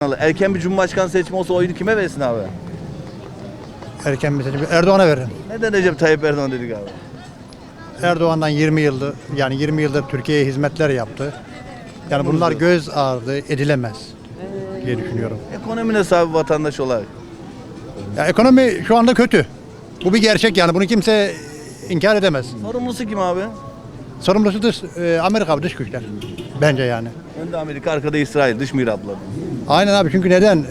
Erken bir cumhurbaşkanı seçimi olsa oyunu kime versin abi? Erken bir seçim Erdoğan'a veririm. Neden Recep Tayyip Erdoğan dedik abi? Erdoğan'dan 20 yıldır yani 20 yıldır Türkiye'ye hizmetler yaptı. Yani bunlar göz ardı edilemez diye düşünüyorum. Ekonomi nasıl abi vatandaş olarak? Ya ekonomi şu anda kötü. Bu bir gerçek yani bunu kimse inkar edemez. Sorumlusu kim abi? Sorumlusu Amerika dış güçler. Bence yani. Önde Amerika, arkada İsrail, dış mihraklar. Aynen abi çünkü neden?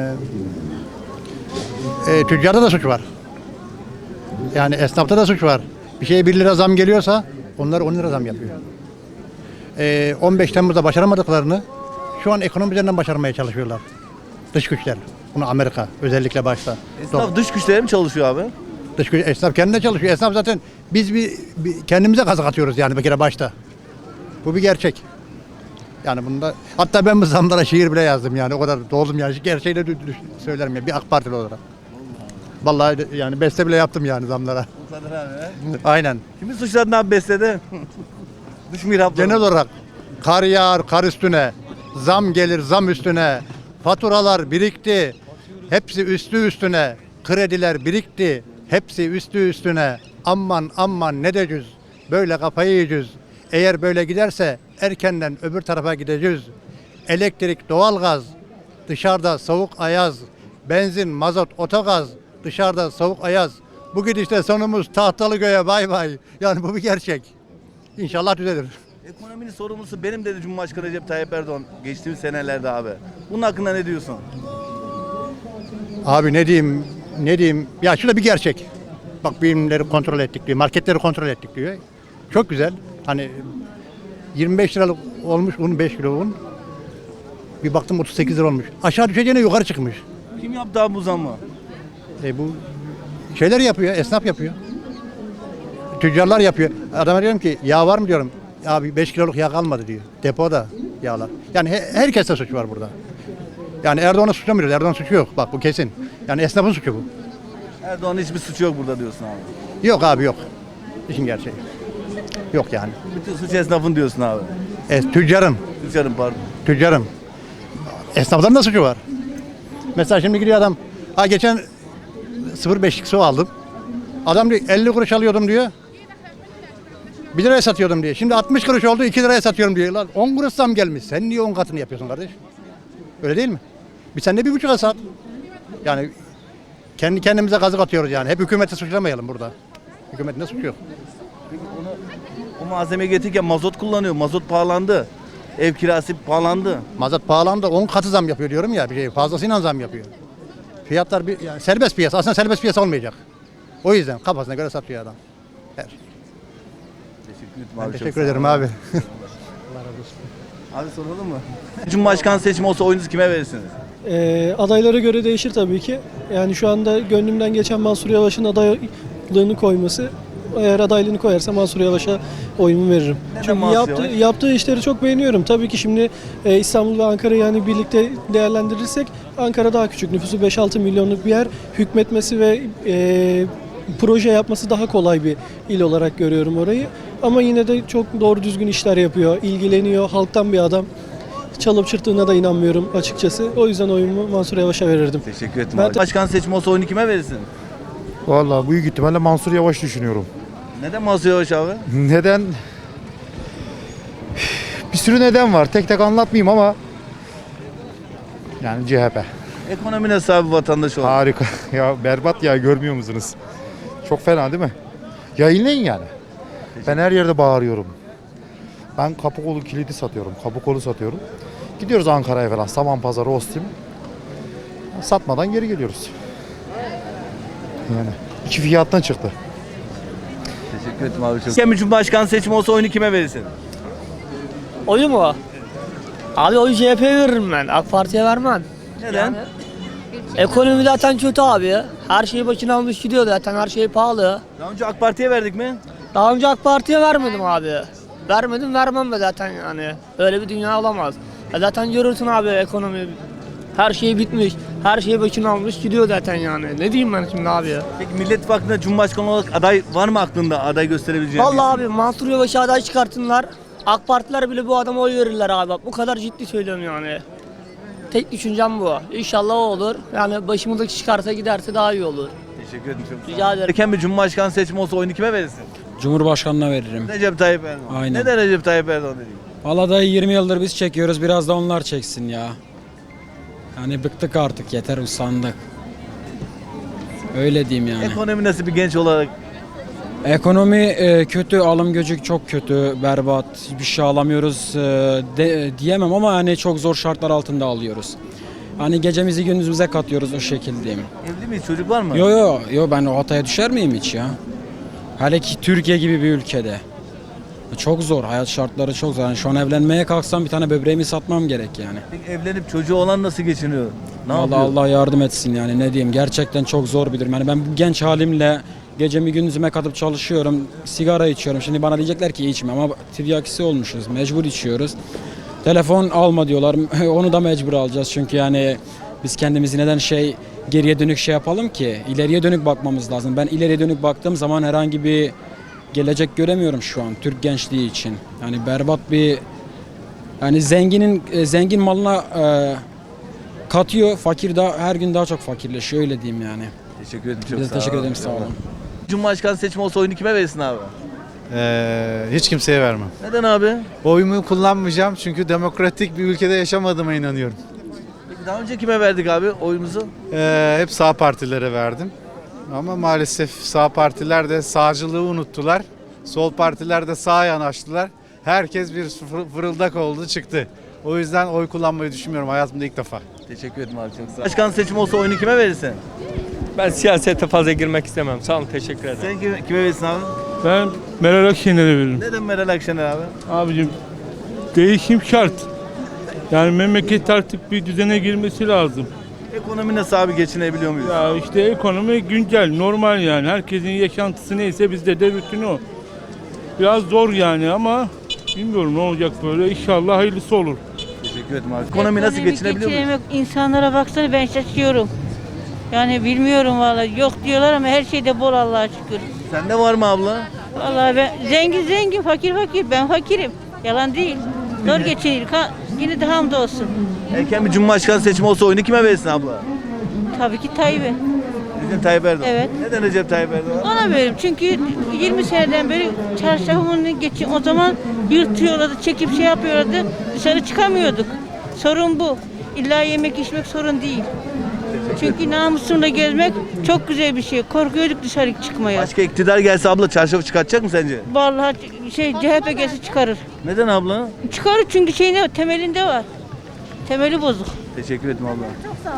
Tüccarda da suç var. Yani esnafta da suç var. Bir şeye 1 lira zam geliyorsa onlar 10 lira zam yapıyor. 15 Temmuz'da başaramadıklarını şu an ekonomi üzerinden başarmaya çalışıyorlar. Dış güçler. Bunu Amerika özellikle başta. Esnaf dış güçlere mi çalışıyor abi? Dış güç, esnaf kendine çalışıyor. Esnaf zaten biz kendimize kazık atıyoruz yani bir kere başta. Bu bir gerçek. Yani bunda hatta ben bu zamlara şiir bile yazdım yani o kadar doldum yani gerçeği de söylerim ya bir AK Partili olarak. Vallahi yani beste bile yaptım yani zamlara. Bu kadar abi. Aynen. Kimi suçladın abi bestede? Dış mihraklar. Genel olarak kar yağar kar üstüne, zam gelir zam üstüne, faturalar birikti, hepsi üstü üstüne, krediler birikti, hepsi üstü üstüne. Aman aman ne diyeceğiz, böyle kafayı yiyeceğiz. Eğer böyle giderse erkenden öbür tarafa gideceğiz. Elektrik, doğalgaz, dışarıda soğuk ayaz, benzin, mazot, otogaz, dışarıda soğuk ayaz. Bu gidişte sonumuz Tahtalıköy'e bay bay. Yani bu bir gerçek. İnşallah düzelir. Ekonominin sorumlusu benim dedi Cumhurbaşkanı Recep Tayyip Erdoğan geçtiğimiz senelerde abi. Bunun hakkında ne diyorsun? Abi ne diyeyim? Ya şurada bir gerçek. Bak birimleri kontrol ettik diyor, marketleri kontrol ettik diyor. Çok güzel. Hani 25 liralık olmuş un, 5 kilo un. Bir baktım 38 lira olmuş. Aşağı düşeceğine yukarı çıkmış. Kim yaptı abi bu zammı? Bu şeyler yapıyor, esnaf yapıyor. Tüccarlar yapıyor. Adama diyorum ki yağ var mı diyorum. Abi 5 kiloluk yağ kalmadı diyor. Depoda yağlar. Yani herkeste suç var burada. Yani Erdoğan'ı suçlamıyoruz. Erdoğan'ın suçu yok. Bak bu kesin. Yani esnafın suçu bu. Erdoğan'ın hiçbir suçu yok burada diyorsun abi. Yok abi yok. İşin gerçeği. Yok yani. Bütün suç esnafın diyorsun abi. Tüccarın. Tüccarın pardon. Tüccarın. Esnafların da suçu var. Mesela şimdi gidiyor adam. Geçen 0,5'lik su aldım. Adam diyor 50 kuruş alıyordum diyor. 1 liraya satıyordum diyor. Şimdi 60 kuruş oldu 2 liraya satıyorum diyor. Lan 10 kuruş zam gelmiş. Sen niye 10 katını yapıyorsun kardeş? Öyle değil mi? Sen de 1,5'a sat. Yani kendi kendimize kazık atıyoruz yani. Hep hükümeti suçlamayalım burada. Hükümetin de suçu yok. Peki o malzemeyi getirirken mazot kullanıyor. Mazot pahalandı. Ev kirası pahalandı. Mazot pahalandı 10 katı zam yapıyor diyorum ya. Bir şey fazlasıyla zam yapıyor. Fiyatlar yani serbest piyasa. Aslında serbest piyasa olmayacak. O yüzden kafasına göre satıyor adam. Her. Teşekkür ederim abi. Abi soralım mı? Cumhurbaşkanı seçimi olsa oyunuzu kime verirsiniz? Adaylara göre değişir tabii ki. Yani şu anda gönlümden geçen Mansur Yavaş'ın adaylığını koyması. Eğer adaylığını koyarsa Mansur Yavaş'a oyumu veririm. Neden Çünkü Mansur Yavaş? yaptığı işleri çok beğeniyorum. Tabii ki şimdi İstanbul ve Ankara'yı yani birlikte değerlendirirsek Ankara daha küçük. Nüfusu 5-6 milyonluk bir yer. Hükmetmesi ve proje yapması daha kolay bir il olarak görüyorum orayı. Ama yine de çok doğru düzgün işler yapıyor. İlgileniyor. Halktan bir adam. Çalıp çırptığına da inanmıyorum açıkçası. O yüzden oyumu Mansur Yavaş'a verirdim. Teşekkür ederim abi. Başkan seçimi olsa oyunu kime verirsin? Vallahi büyük ihtimalle Mansur Yavaş düşünüyorum. Neden Mansur Yavaş abi? Neden? Bir sürü neden var. Tek tek anlatmayayım ama yani CHP. Ekonomi nasıl abi vatandaş olarak? Harika. Ya berbat ya görmüyor musunuz? Çok fena değil mi? Yayınlayın yani. Ben her yerde bağırıyorum. Ben Kapıkolu kilidi satıyorum. Kapıkolu satıyorum. Gidiyoruz Ankara'ya falan. Samanpazarı, Ostim. Satmadan geri geliyoruz. Yani iki fiyattan çıktı. Teşekkür ederim abi. Erken bir cumhurbaşkanı seçimi olsa oyunu kime verirsin? Oyu mu? Abi oyu CHP'ye veririm ben. AK Parti'ye vermem. Neden? Ekonomi zaten kötü abi. Her şeyi başına almış gidiyor zaten. Her şey pahalı. Daha önce AK Parti'ye verdik mi? Daha önce AK Parti'ye vermedim abi. Vermedim vermem de zaten yani. Öyle bir dünya olamaz. Zaten görürsün abi ekonomi. Her şey bitmiş. Her şeyi başına almış gidiyor zaten yani. Ne diyeyim ben şimdi abi ya? Peki Millet İttifakı'nda cumhurbaşkanı olarak aday var mı aklında aday gösterebileceğin? Vallahi abi Mansur Yavaş'a aday çıkartınlar. AK Partiler bile bu adama oy verirler abi. Bak bu kadar ciddi söylüyorum yani. tek düşüncem bu. İnşallah o olur. Yani başımızdaki çıkarsa giderse daha iyi olur. Teşekkür ederim. Çok sağ olun. Rica ederim. Erken bir Cumhurbaşkanı seçimi olsa oyunu kime verirsin? Cumhurbaşkanına veririm. Recep Tayyip Erdoğan. Aynen. Neden Recep Tayyip Erdoğan dedi? Valla dayı 20 yıldır biz çekiyoruz, biraz da onlar çeksin ya. Yani bıktık artık, yeter, usandık. Öyle diyeyim yani. Ekonomi nasıl bir genç olarak? Ekonomi kötü, alım gücü çok kötü, berbat. Hiçbir şey alamıyoruz diyemem ama yani çok zor şartlar altında alıyoruz. Hani gecemizi gündüzümüze katıyoruz, o şekildeyim. Evli miyiz? Çocuk var mı? Yo ben o hataya düşer miyim hiç ya? Hele ki Türkiye gibi bir ülkede. Çok zor, hayat şartları çok zor. Yani şu an evlenmeye kalksam bir tane böbreğimi satmam gerek yani. Peki evlenip çocuğu olan nasıl geçiniyor? Ne Allah yapıyor? Allah yardım etsin yani, ne diyeyim, gerçekten çok zor bir durum. Yani ben bu genç halimle gecemi gündüzüme katıp çalışıyorum, sigara içiyorum. Şimdi bana diyecekler ki içme ama tiryakisi olmuşuz, mecbur içiyoruz. Telefon alma diyorlar, onu da mecbur alacağız çünkü yani biz kendimizi neden geriye dönük yapalım ki, ileriye dönük bakmamız lazım. Ben ileriye dönük baktığım zaman herhangi bir gelecek göremiyorum şu an Türk gençliği için. Yani berbat bir, yani zengin malına katıyor, fakir de her gün daha çok fakirleşiyor, öyle diyeyim yani. Teşekkür ederim. Çok Biz de sağ olun. teşekkür ederim, sağ olun. Cumhurbaşkanı seçimi olsa oyunu kime verirsin abi? Hiç kimseye vermem. Neden abi? Oyumu kullanmayacağım çünkü demokratik bir ülkede yaşamadığıma inanıyorum. Peki daha önce kime verdik abi oyumuzu? Hep sağ partilere verdim. Ama maalesef sağ partiler de sağcılığı unuttular. Sol partiler de sağa yanaştılar. Herkes bir fırıldak oldu çıktı. O yüzden oy kullanmayı düşünmüyorum hayatımda ilk defa. Teşekkür ederim abi, çok sağ ol. Başkan seçimi olsa oyunu kime verirsin? Ben siyasete fazla girmek istemem. Sağ olun, teşekkür ederim. Sen kime verirsin abi? Ben Meral Akşener'e veririm. Neden Meral Akşener abi? Abicim değişim şart. Yani memleket artık bir düzene girmesi lazım. Ekonomi nasıl abi, geçinebiliyor muyuz? Ya işte ekonomi güncel, normal yani. Herkesin yaşantısı neyse bizde de bütün o. Biraz zor yani ama bilmiyorum ne olacak böyle. İnşallah hayırlısı olur. Teşekkür ederim abi. Ekonomi nasıl, geçinebiliyor muyuz? geçinemek, insanlara baksana, ben şaşıyorum. Yani bilmiyorum vallahi, yok diyorlar ama her şeyde bol Allah'a şükür. Sende var mı abla? Vallahi ben zengin, fakir, ben fakirim. Yalan değil. Zor geçinir. Yine de hamdolsun. Erken bir Cumhurbaşkanı seçimi olsa oyunu kime verirsin abla? Tabii ki Tayyip'e. Recep Tayyip Erdoğan. Evet. Neden Recep Tayyip Erdoğan? Ona veririm çünkü 20 seneden beri çarşafımını geçin. O zaman yırtıyorlardı, çekip yapıyorlardı. Dışarı çıkamıyorduk. Sorun bu. İlla yemek içmek sorun değil. Çünkü namusumla gezmek çok güzel bir şey. Korkuyorduk dışarı çıkmaya. Başka iktidar gelse abla çarşafı çıkartacak mı sence? Vallahi CHP gelse çıkarır. Neden abla? Çıkarır çünkü temelinde var. Temeli bozuk. Teşekkür ederim abla.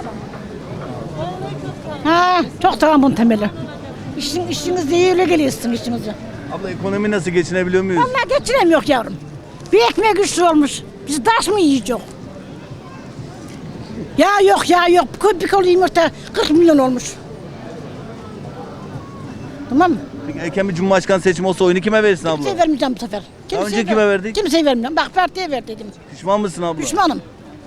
Ha, çok tamam bunun temeli. İşiniz iyi, öyle geliyorsun işinize. Abla ekonomi nasıl, geçinebiliyor muyuz? Vallahi geçiremiyor yavrum. Bir ekmek güçlü olmuş. Biz taş mı yiyeceğiz? Ya yok. Bir kolu yumurta 40 milyon olmuş. Tamam mı? Peki erken bir Cumhurbaşkanı seçimi olsa oyunu kime verirsin abla? Kimseye vermeyeceğim bu sefer. önce kime verdik? Kimseye vermeyeceğim. Bak partiye ver dedim. Pişman mısın abla? Pişmanım.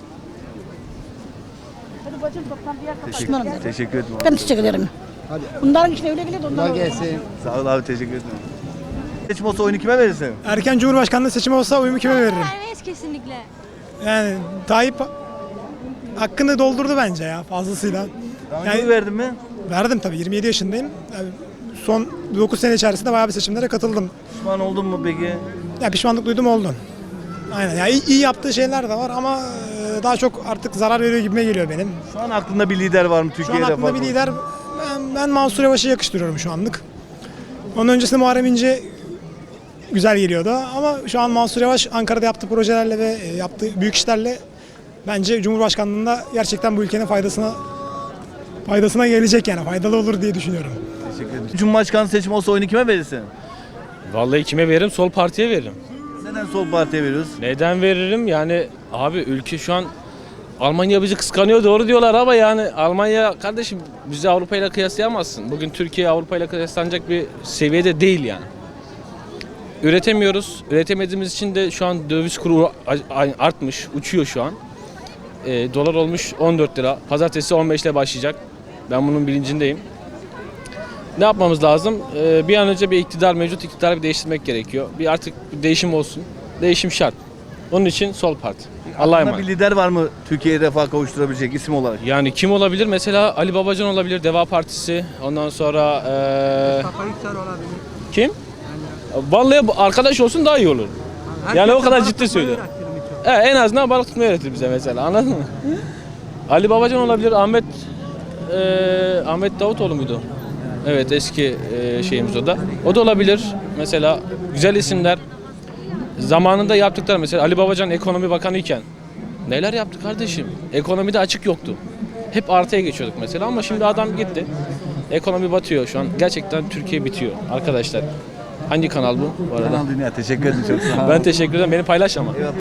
Teşekkür, teşekkür ederim abi. Ben teşekkür ederim. Bunların işine öyle geliyor da ondan Sağ ol abi, teşekkür ederim. Seçim olsa oyunu kime verirsin? Erken Cumhurbaşkanlığı seçimi olsa oyumu kime veririm? Evet, kesinlikle. Yani Tayyip hakkını doldurdu bence ya, fazlasıyla. Daha önce Yani- oy verdin mi? Verdim tabii, 27 yaşındayım. Yani son 9 sene içerisinde bayağı bir seçimlere katıldım. Pişman oldun mu peki? Ya pişmanlık duydum, oldu. Aynen ya, iyi yaptığı şeyler de var ama daha çok artık zarar veriyor gibime geliyor benim. Şu an aklında bir lider var mı Şu Türkiye'de? an aklımda bir lider, ben Mansur Yavaş'ı yakıştırıyorum şu anlık. Onun öncesinde Muharrem İnce güzel geliyordu ama şu an Mansur Yavaş Ankara'da yaptığı projelerle ve yaptığı büyük işlerle bence Cumhurbaşkanlığında gerçekten bu ülkenin faydasına gelecek, yani faydalı olur diye düşünüyorum. Teşekkür ederim. Cumhurbaşkanı seçimi olsa oyunu kime verirsin? Vallahi kime veririm? Sol partiye veririm. Neden sol partiye veriyoruz? Neden veririm? Yani abi ülke şu an Almanya bizi kıskanıyor, doğru diyorlar ama yani Almanya kardeşim bizi Avrupa ile kıyaslayamazsın. Bugün Türkiye Avrupa ile kıyaslanacak bir seviyede değil yani. Üretemiyoruz. Üretemediğimiz için de şu an döviz kuru artmış, uçuyor şu an. Dolar olmuş 14 lira. Pazartesi 15 ile başlayacak. Ben bunun bilincindeyim. Ne yapmamız lazım? Bir an önce mevcut iktidarı bir değiştirmek gerekiyor. Artık bir değişim olsun. Değişim şart. Onun için sol parti. Allah'a Aklında emanet. bir lider var mı Türkiye'yi refaha kavuşturabilecek isim olarak? Yani kim olabilir? Mesela Ali Babacan olabilir, Deva Partisi. Ondan sonra kim? Vallahi arkadaş olsun daha iyi olur. Yani o kadar ciddi söylüyorum. En azından balık tutmayı öğretir bize mesela, anladın mı? Ali Babacan olabilir, Ahmet Davutoğlu muydu? Evet, eski şeyimiz o da. O da olabilir. Mesela güzel isimler. Zamanında yaptıkları, mesela Ali Babacan ekonomi bakanı iken neler yaptı kardeşim? Ekonomide açık yoktu. Hep artıya geçiyorduk mesela, ama şimdi adam gitti. Ekonomi batıyor şu an. Gerçekten Türkiye bitiyor arkadaşlar. Hangi kanal bu arada? Kanal Dünya, teşekkür ederim çok sağ olun. Ben teşekkür ederim. Beni paylaş ama.